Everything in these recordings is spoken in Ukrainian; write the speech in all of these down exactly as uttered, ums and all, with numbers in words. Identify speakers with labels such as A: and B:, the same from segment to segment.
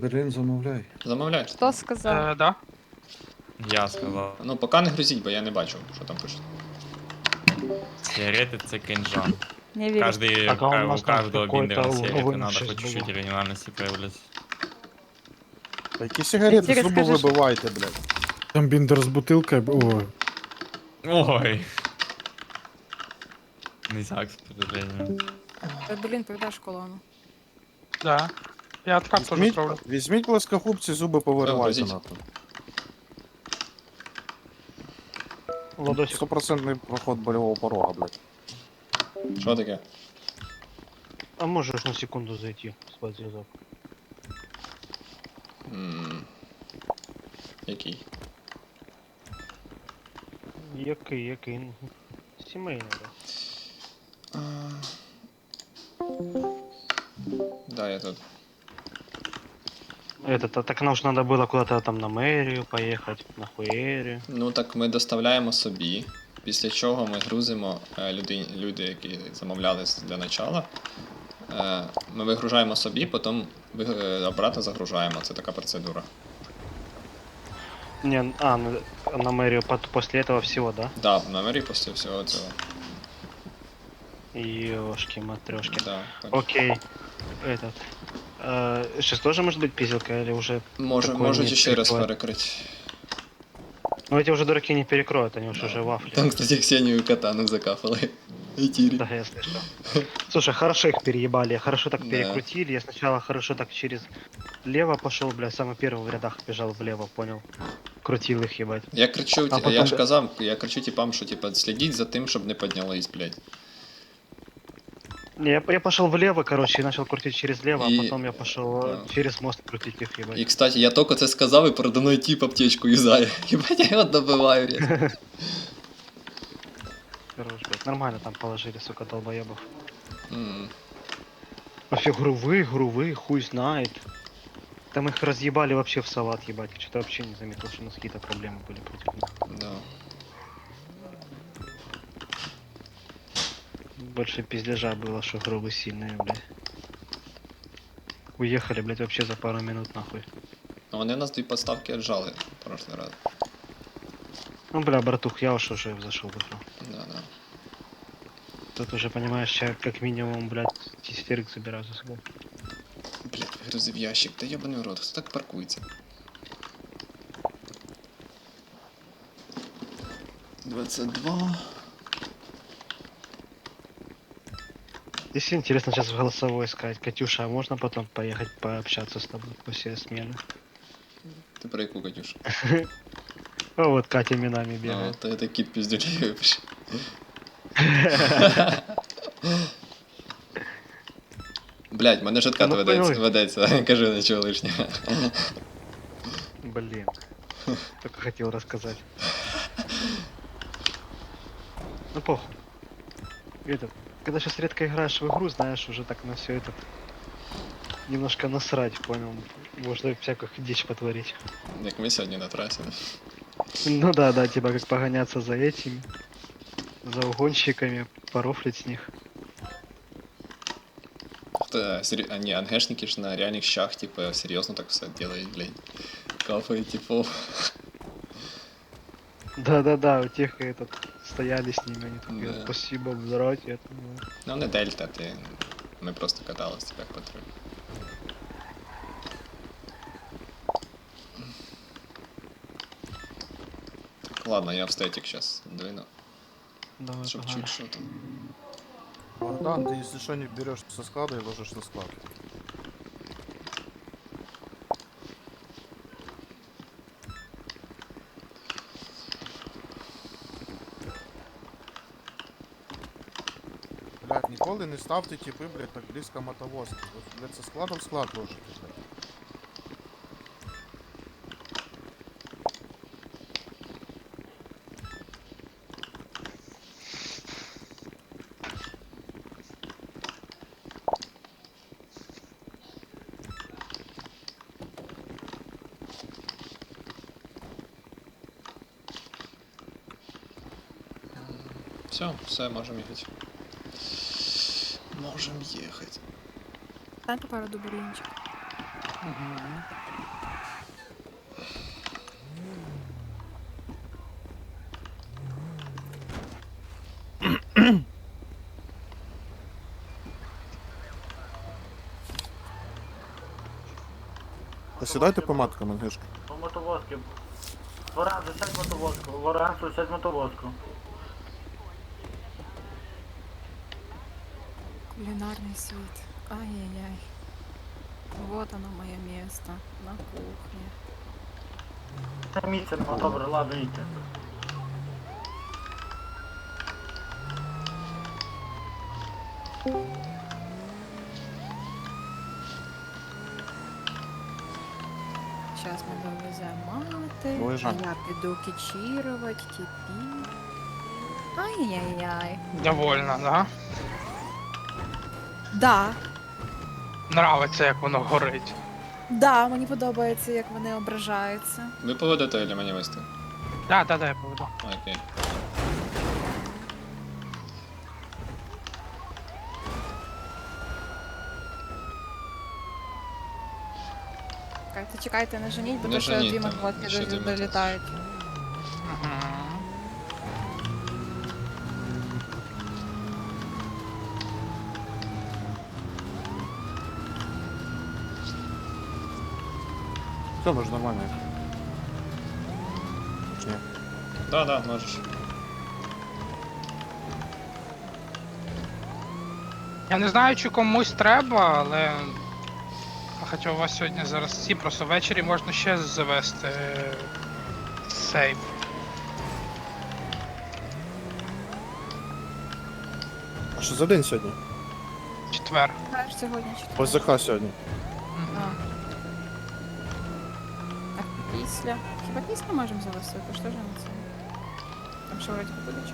A: Берлін, замовляй.
B: Замовляй.
C: Хто сказав?
D: Е, да.
E: Я сказав.
B: Ну, поки не грузіть, бо я не бачу, що там пишуть.
E: Сигареты це кинжал.
C: Не вірю.
E: Каждый,
D: Так, а у
E: ка-
D: нас
E: у
D: там
E: каждого
D: какой-то
E: биндера на сигареты
D: новый
E: надо
D: шесть
E: хоть чуть-чуть
D: было.
E: или не надо себе появляться.
F: Та які сигарети,
C: Тільки
F: зуби
C: скажи, що-
F: вибивайте, блядь.
A: Там біндер з бутилкою, о,
E: Ой. Не так, к сожалению.
C: Ой, блін, передаш колону.
D: Да. Я откат тоже
F: Візьміть,
D: отправлю.
F: візьміть плоскогубці, зуби повиривайте
B: грузіть.
F: нахуй.
D: Ладосик.
F: Стопроцентний проход больового порога, блядь.
B: Що таке?
D: А можешь на секунду зайти, спать зв'язок.
B: М, Який?
D: Який, який. Сімейний, да.
B: Да, я тут.
D: Этот, а так нам же надо было куда-то там на мэрию поехать, на хуэрию.
B: Ну так ми доставляємо собі, після чого ми грузимо е, люди, люди які замовляли для начала. Е, Ми вигружаємо собі, потім ви- е, обратно загружаємо. Це така процедура.
D: Не, а, на, на мэрию пот- после этого всего, да?
B: Да, в номері після всього цього.
D: Ёшки, матрешки.
B: Да, так.
D: Окей. Этот. Э, сейчас тоже может быть пизелка или уже...
B: Може,
D: такое
B: можуть
D: не
B: ще раз
D: перекроет?
B: перекрити.
D: Ну эти уже дураки не перекроют, они уж уже вафли.
B: Там, кстати, Ксенію катану закафали. І тірі.
D: Да, я слышал. Слушай, хорошо их переебали, хорошо так
B: Да.
D: перекрутили. Я сначала хорошо так через лево пошел, бля, самый первый в рядах бежал влево, понял. Крутил их, ебать.
B: Я кричу,
D: А
B: ті- я
D: потім-
B: ж казав, я кричу типам, що типа слідіть за тим, щоб не піднялись, блядь.
D: Не, я, я пошел влево, короче, и начал крутить через лево,
B: И-
D: а потом я пошел э,
B: Да.
D: через мост крутить их, ебать.
B: І, кстати, я тільки це сказав, і передо мною тіп аптечку юзає. Єбать, я його добиваю, блядь.
D: Хорош, блядь. Нормально там положили, сука, долбоебов.
B: М.
D: Вообще, грувы, грувы, хуй знает. Там их разъебали вообще в салат, ебать. Что-то вообще не заметил, что у нас какие-то проблемы были против них.
B: Да.
D: Больше пиздежа было, что грубы сильные, блядь. Уехали, блядь, вообще за пару минут, нахуй.
B: Ну, вони нас дві подставки отжали в прошлый раз.
D: Ну, бля, братух, я уж уже зашел в игру.
B: Да, да.
D: Тут уже, понимаешь, я как минимум, блядь, тестерик забираю за собой.
B: Блядь, вигрузив ящик, та єбаний в рот, хто так паркується? двадцать два.
D: Если интересно сейчас в голосовой сказать, Катюша, а можно потом поехать пообщаться с тобой после смены?
B: Ти про яку, Катюш?
D: А вот Катя именами
B: А,
D: бегает.
B: то это кіт піздюлей пише. Блядь, мене ж откат
D: Ну,
B: ведеться,
D: поняли.
B: ведеться, кажи нічого лишнього.
D: Блин. Только хотел рассказать. Ну похуй. Этот, когда сейчас редко играешь в игру, знаешь, уже так на все это немножко насрать, понял? Можно всякую дичь потворить.
B: Як ми сьогодні на трасі.
D: Ну да, да, типа как погоняться за этими, за угонщиками, порофлить с них.
B: Хто, сері... а, ні, ангешники ж на реальних щах, типу, серйозно так все делають, блядь. Кафають, типу.
D: Да-да-да, у тех этот стояли с ними, они такие,
B: Да.
D: спасибо, взрать, это, ну.
B: Ну не дельта, ти. Ми просто каталися як потрібно. Так, ладно, я в стетик сейчас двину.
D: Давай,
B: Чтоб
D: погнали.
B: чуть что там.
F: Богдан, ты если что не берешь со склада и ложишь на склад. Блядь, ніколи не ставте типи, блядь, так близько мотовозки. Ви, блядь, со складом в склад ложите, блядь.
B: Все, все, можем ехать. Можем ехать.
C: Стань попереду, Бурінчик.
G: Мгм.
F: Та сідайте по маткам, Ангишка.
H: По мотовозки. Лоран, сядь мотовозку. Лоран, сядь мотовозку.
C: Кулинарный свет. Ай-яй-яй. Вот оно мое место. На кухне.
H: Це місце, ну добре, ладно, йдьте.
C: Сейчас мы довезем маты.
F: Виїжджай.
C: А я піду кичировать, кипи. Ай-яй-яй.
G: Довольно, да?
C: Да,
G: Нравиться, як воно горить.
C: да, мені подобається, як вони ображаються.
B: Ви поведете чи мені вести?
G: Да, да, да, я поведу.
B: Окей.
C: Чекайте, чекайте, не женіть, бо
B: Не
C: то що
B: женіть
C: дві
B: там,
C: мотовозки
B: ще дві
C: до- долітають.
G: Угу.
F: Все, може нормально. Чи ні?
B: Да, да, можеш.
G: Я не знаю, чи комусь треба, але. Хоча у вас сьогодні зараз ці, просто ввечері можна ще завести е, сейф.
F: А що за день сьогодні?
G: Четвер.
C: Знаєш, сьогодні четвер.
F: Ось ЗХ сьогодні.
C: А. А після? Хіба після можемо завести? То що ж на це? Там що вроді буде чи?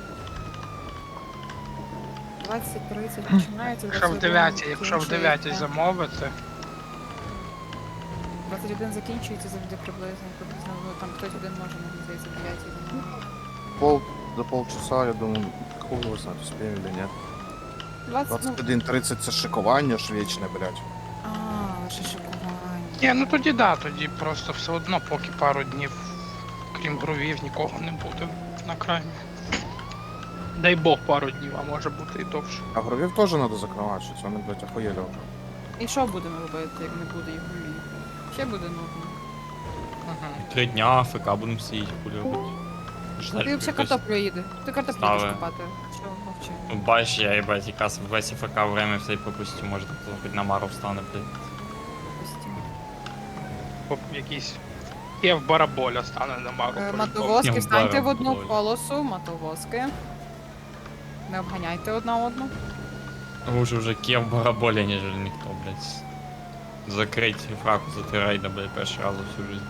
C: двадцять тридцять починається.
G: Якщо в
C: двадцять один
G: дев'ятій, якщо в дев'ятій
C: закінчується.
G: замовити.
C: двадцять один закінчується завжди приблизно, приблизно, ну там хтось один може, мені здається, в дев'ятій замовити.
F: Пол, до полчаса, я думаю, хуй його знає, успіємо или ні.
C: двадцять, ну,
F: двадцять один тридцять це шикування ж вічне, блядь.
C: а, лише шокування.
G: Ні, ну тоді да, тоді просто все одно, поки пару днів, крім грувів, нікого не буде на крайні. Дай Бог пару днів, а може бути і довше.
F: А гровів теж треба закривати, що вони, блядь, охуєли вже.
C: І що будемо робити, як не буде їх голів? Ще буде нудно.
G: Угу.
E: Три дня АФК будемо сидіти, хули робити.
C: Ти взагалі картоплю їде. Ти картоплю
E: Стави.
C: їдеш копати. Що мовчи?
E: Ну, бачиш, я, їбать, якраз весь АФК время все пропустив, може хто хоч на Мару встане, блядь.
C: Допустимо.
G: Поп якийсь Кев Бараболя стане на мару.
C: Е,
G: по-любому.
C: Мотовозки,
E: Ні,
C: встаньте в одну
E: бараболь.
C: полосу, мотовозки. Не обганяйте одна одну.
E: Лучше вже Кев Бараболя, ніж ніхто, блядь. Закрить фраку за три рейда, блядь, перший раз за всю жизнь.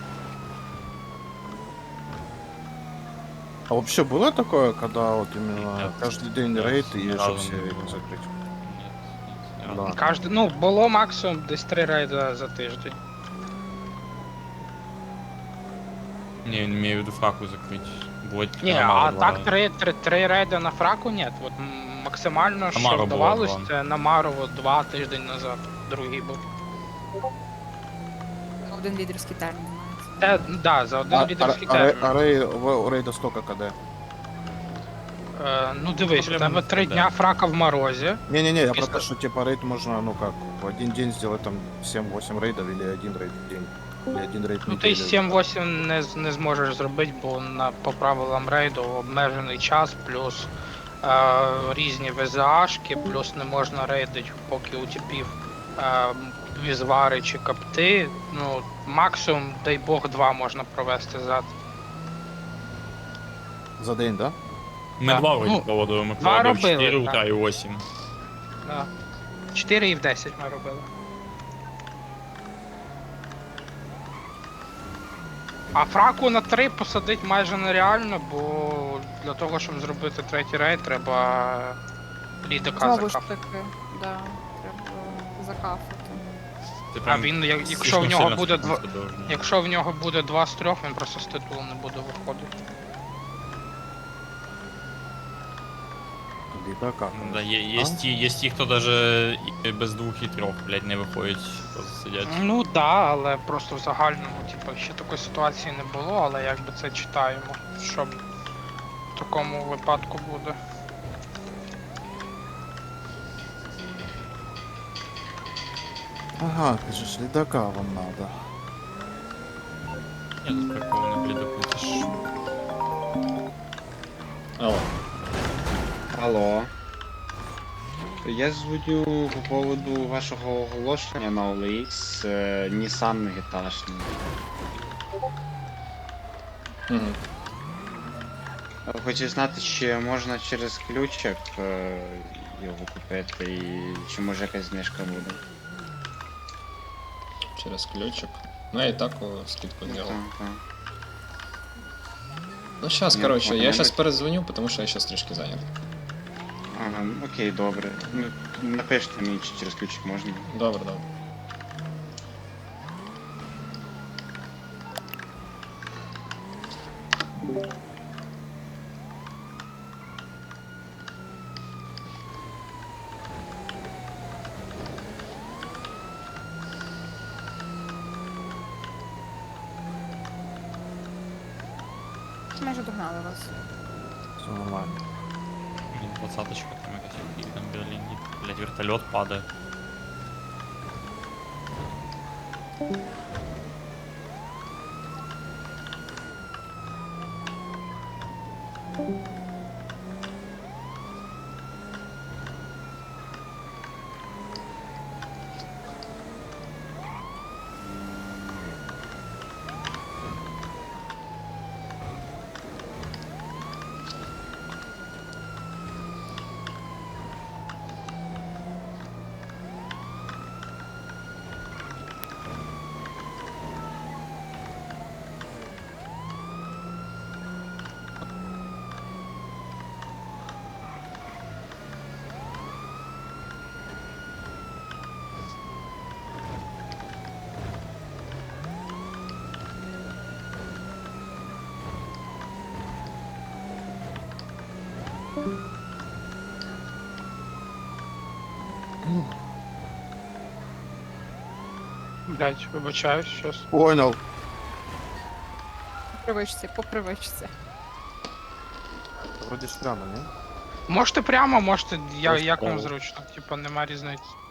F: А вообще было такое, когда вот именно
E: Нет.
F: каждый день
E: Нет,
F: рейд и
E: ни
F: чтобы
E: разу
F: все
E: не
F: рейды
E: было.
F: закрыть?
E: Ні, ні, ні.
F: Да.
G: Кожен, ну, було максимум десь три рейда за тиждень.
E: Ні, він має в виду фраку закрити. Було тільки
G: Ні,
E: на Мару
G: а
E: два
G: так
E: рази.
G: три, три, три рейда на фраку ні. От м, максимально, що
E: Мару було
G: вдавалось,
E: два.
G: це на Мару от два тиждень назад. Другий був.
C: Один лідерський термін мається.
G: Те, да, за один
F: А,
G: лідерський
F: а, а, рей-
G: термін.
F: а рей, в- у рейда сколько КД?
G: Е, ну дивись, у
E: Проблема
G: тебе
E: не
G: три
E: в
G: дня фрака в морозі.
F: Не-не-не, я
G: Если-
F: про то, что типа рейд можно, ну как, в один день сделать там семь-восемь рейдов или один рейд в день. Или один рейд в
G: Ну ти
F: неделю.
G: сім-восім не, з- не зможеш зробити, бо на, по правилам рейду обмежений час, плюс е, різні ВЗАшки, плюс не можна рейдити, поки у типів е, візвари чи капти. Ну, максимум, дай Бог, два можна провести зад.
F: За день, да?
E: Ми
G: Да.
E: два вроді
G: Ну,
E: проводили, ми
G: два
E: проводили
G: робили,
E: чотири
G: так.
E: утра і вісім.
G: Да. чотири і в десять ми робили. А фраку на три посадити майже нереально, бо для того, щоб зробити третій рейд, треба лідика
C: Знову ж
G: закапати.
C: таки, да, треба закафати.
E: Ти
G: А
E: прям
G: він, як- якщо в
E: слишком
G: нього
E: сильно
G: буде два,
E: спустився должен.
G: якщо в нього буде два з трьох, він просто з титулу не буде виходити.
F: Ледака.
E: Ну, да, є, є, ті, є ті, хто даже і без двох і трьох, блядь, не виходять, просто сидять.
G: Ну так, да, але просто в загальному, типу, ще такої ситуації не було, але якби це читаємо, що в такому випадку буде.
F: Ага, ты же ж ледака вам надо.
E: Я тут прикол не блядь, це ж...
B: Алло.
I: Алло. Я дзвоню по поводу вашого оголошення на о ел ікс е, Nissan Геташний.
B: Угу.
I: Хочу знати, чи можна через ключик е, його купити і чи може якась знижка буде.
B: Через ключик. Ну я и так о, скидку
I: Ну,
B: делал.
I: так, так.
B: Ну сейчас,
I: Я
B: короче,
I: понял.
B: я сейчас перезвоню, потому что я сейчас трішки занят.
I: Ага, ну, окей, добре. Ну, напишіть мені, чи через ключик можна.
B: Добре, добре.
C: Майже догнали вас.
F: Все нормально.
E: Блін, двадцяточка там якась їх там в Берліні. Блядь, вертольот падає.
G: Блять, вибачаюсь, щас.
F: Понял.
C: По привичці, по привичці.
F: Вроде ж прямо, не?
G: Можете прямо, можете, я,
F: Ось
G: як вам
F: право.
G: зручно, типа нема різниці.